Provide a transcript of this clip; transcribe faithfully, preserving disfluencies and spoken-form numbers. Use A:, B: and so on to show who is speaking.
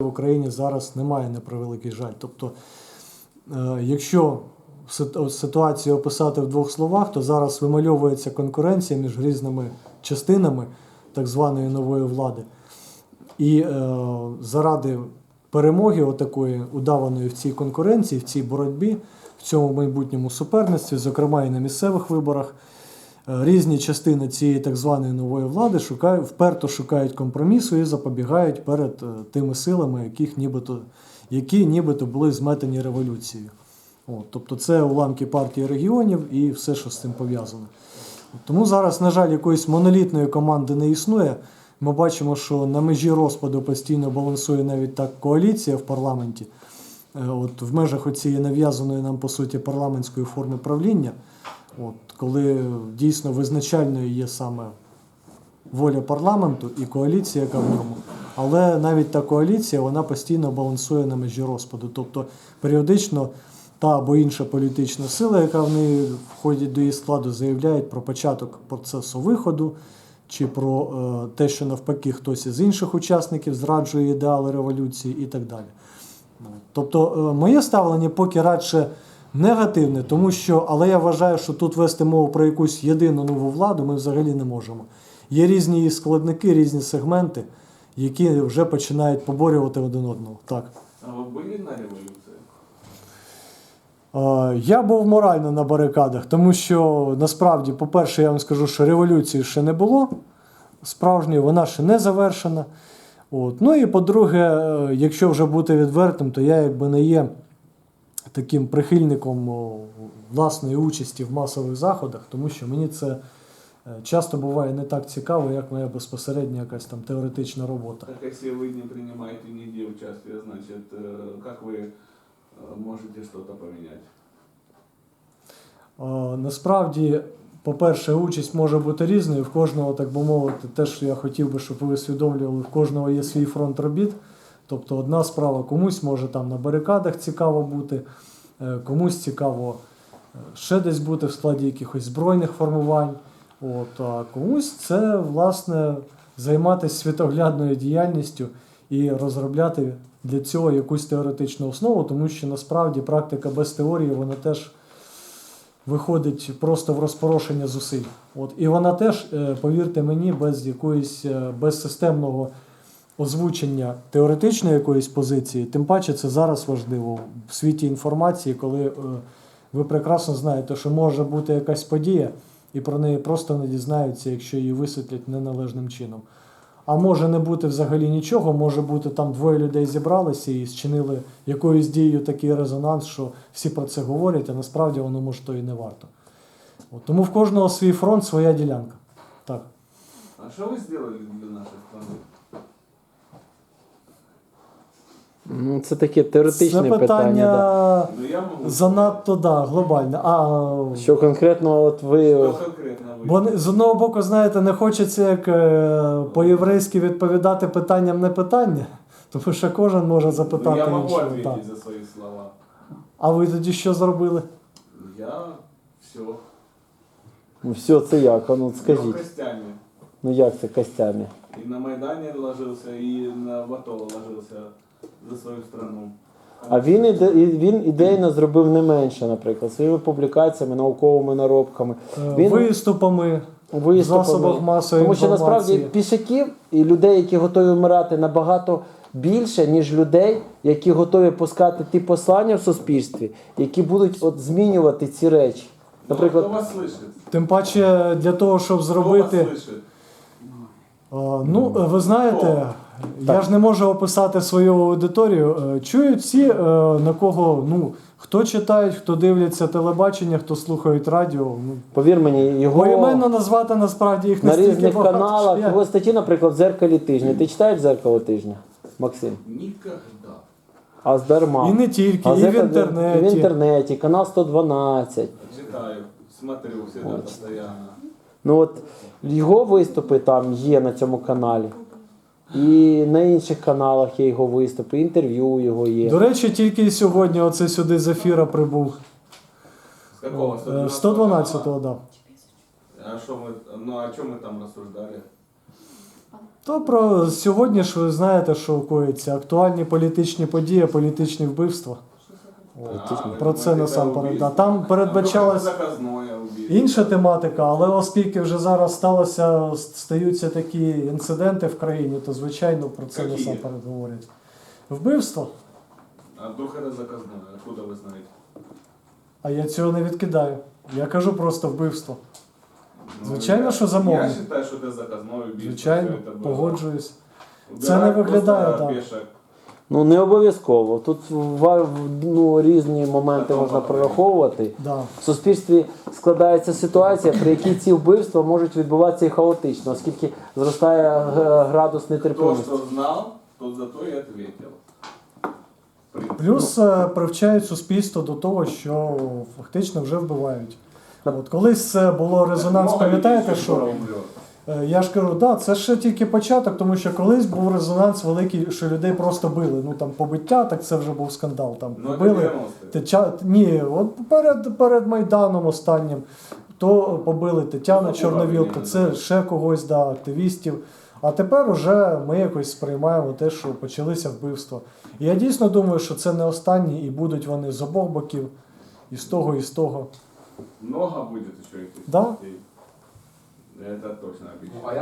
A: В Україні зараз немає, на превеликий жаль. Тобто, якщо ситуацію описати в двох словах, то зараз вимальовується конкуренція між різними частинами так званої нової влади. І е, заради перемоги отакої удаваної в цій конкуренції, в цій боротьбі, в цьому майбутньому суперництві, зокрема і на місцевих виборах, різні частини цієї так званої нової влади шукають, вперто шукають компромісу і запобігають перед тими силами, яких нібито, які нібито були зметені революцією. От, тобто це уламки партії регіонів і все, що з цим пов'язано. Тому зараз, на жаль, якоїсь монолітної команди не існує. Ми бачимо, що на межі розпаду постійно балансує навіть так коаліція в парламенті. От, в межах оцієї нав'язаної нам, по суті, парламентської форми правління, от, коли дійсно визначальною є саме воля парламенту і коаліція, яка в ньому. Але навіть та коаліція, вона постійно балансує на межі розпаду. Тобто періодично та або інша політична сила, яка в неї входить до її складу, заявляє про початок процесу виходу, чи про е, те, що навпаки хтось із інших учасників зраджує ідеали революції і так далі. Тобто е, моє ставлення поки радше негативне, тому що, але я вважаю, що тут вести мову про якусь єдину нову владу ми взагалі не можемо. Є різні її складники, різні сегменти, які вже починають поборювати один одного. Так.
B: А ви були на революції?
A: Я був морально на барикадах, тому що, насправді, по-перше, я вам скажу, що революції ще не було справжньої, вона ще не завершена. От. Ну і, по-друге, якщо вже бути відвертим, то я якби не є таким прихильником власної участі в масових заходах, тому що мені це часто буває не так цікаво, як моя безпосередня якась там теоретична робота.
B: Так, якщо ви не приймаєте ніде участь, значить, як ви можете щось поміняти?
A: Насправді, по-перше, участь може бути різною. В кожного, так би мовити, те, що я хотів би, щоб ви усвідомлювали, в кожного є свій фронт робіт. Тобто одна справа, комусь може там на барикадах цікаво бути, комусь цікаво ще десь бути в складі якихось збройних формувань. От, а комусь це, власне, займатися світоглядною діяльністю і розробляти для цього якусь теоретичну основу, тому що насправді практика без теорії, вона теж виходить просто в розпорошення зусиль. От, і вона теж, повірте мені, без якоїсь, без системного озвучення теоретичної якоїсь позиції, тим паче це зараз важливо в світі інформації, коли ви прекрасно знаєте, що може бути якась подія, і про неї просто не дізнаються, якщо її висвітлять неналежним чином. А може не бути взагалі нічого, може бути там двоє людей зібралися і зчинили якоюсь дією такий резонанс, що всі про це говорять, а насправді воно може то і не варто. От, тому в кожного свій фронт, своя ділянка. Так.
B: А що ви зробили для наших планет?
C: Ну, це таке теоретичне
A: це питання,
C: питання. Да.
B: Ну, я можу...
A: занадто, да, глобальне. А,
C: що конкретно от ви...
B: Що конкретно ви?
A: Бо з одного боку, знаєте, не хочеться як е, по-єврейськи відповідати питанням не питання, тому що кожен може запитати
B: Ну, я можу
A: іншого.
B: відповідати за свої слова.
A: А ви тоді що зробили?
B: Я все.
C: Ну, все, це як? А ну, скажіть.
B: Я костями.
C: Ну, як це костями?
B: И на Майдане ложился, и на ВАТО ложился за свою страну.
C: А він, іде, він ідейно зробив не менше, наприклад, своїми публікаціями, науковими наробками. Він...
A: Виступами, в засобах масової
C: Тому що насправді
A: інформації.
C: пішаків і людей, які готові вмирати, набагато більше, ніж людей, які готові пускати ті послання в суспільстві, які будуть от змінювати ці речі. Наприклад,
B: Хто вас слышить?
A: Тим паче для того, щоб зробити...
B: Хто вас слышить?
A: А, ну, ви знаєте, я так. ж не можу описати свою аудиторію. Чують всі, на кого, ну, хто читають, хто дивляться телебачення, хто слухають радіо. Ну,
C: повір мені, його
A: поіменно назвати насправді їх
C: на
A: настільки
C: різних
A: багато,
C: каналах,
A: я...
C: його статті, наприклад, в «Дзеркалі тижня». Ти читаєш «Дзеркало тижня», Максим?
B: Ніколи.
C: А здарма.
A: І не тільки,
C: а
A: і в інтернеті.
C: І в інтернеті, канал сто дванадцять.
B: Читаю, смотрю всегда, постоянно.
C: Ну от, його виступи там є на цьому каналі. І на інших каналах є його виступи, інтерв'ю його є.
A: До речі, тільки сьогодні оце сюди з ефіра прибув.
B: З якого?
A: сто дванадцятого, так. Да.
B: А що ми, ну а чому ми там розсуждали?
A: То про сьогодні ж ви знаєте, що коїться актуальні політичні події, політичні вбивства.
B: А, ви
A: Про це
B: думаєте,
A: насамперед.
B: убийство?
A: Да. Там передбачалось
B: Заказное убийство.
A: інша тематика, але оскільки вже зараз сталося, стаються такі інциденти в країні, то звичайно про це
B: Які?
A: насамперед говорять. Вбивство?
B: А вдруг это заказное? Откуда вы знаете?
A: А я цього не відкидаю. Я кажу просто вбивство.
B: Ну,
A: Звичайно,
B: я-
A: що замовник.
B: Я считаю, что это заказное убийство.
A: Звичайно,
B: Всё это было.
A: погоджуюсь.
B: Убирать
A: Це не виглядає
B: просто
A: так.
B: пешек.
C: Ну не обов'язково. Тут ва- ну, різні моменти
B: Потім
C: можна
B: потім.
C: прораховувати.
A: Да.
C: В суспільстві складається ситуація, при якій ці вбивства можуть відбуватися і хаотично, оскільки зростає г- градус
B: Кто
C: нетерпимості.
B: что знал, тот зато и ответил. В принципе.
A: Плюс е, привчають суспільство до того, що фактично вже вбивають. От колись це було резонанс,
B: Много
A: пам'ятаєте,
B: людей
A: що
B: скоро умрет.
A: е, я ж кажу, да, це ще тільки початок, тому що колись був резонанс великий, що людей просто били. Ну там побиття, так це вже був скандал. Там
B: Ну, это
A: побили.
B: девяностые.
A: Тетя... Ні, от перед, перед Майданом останнім то побили Тетяну
B: Ну,
A: Чорновіл,
B: управління,
A: то це
B: да.
A: ще когось, да, активістів. А тепер уже ми якось сприймаємо те, що почалися вбивства. І я дійсно думаю, що це не останні, і будуть вони з обох боків, і з того, і з того.
B: Много будет еще этих
A: Да.
B: смертей. Это точно обещаю.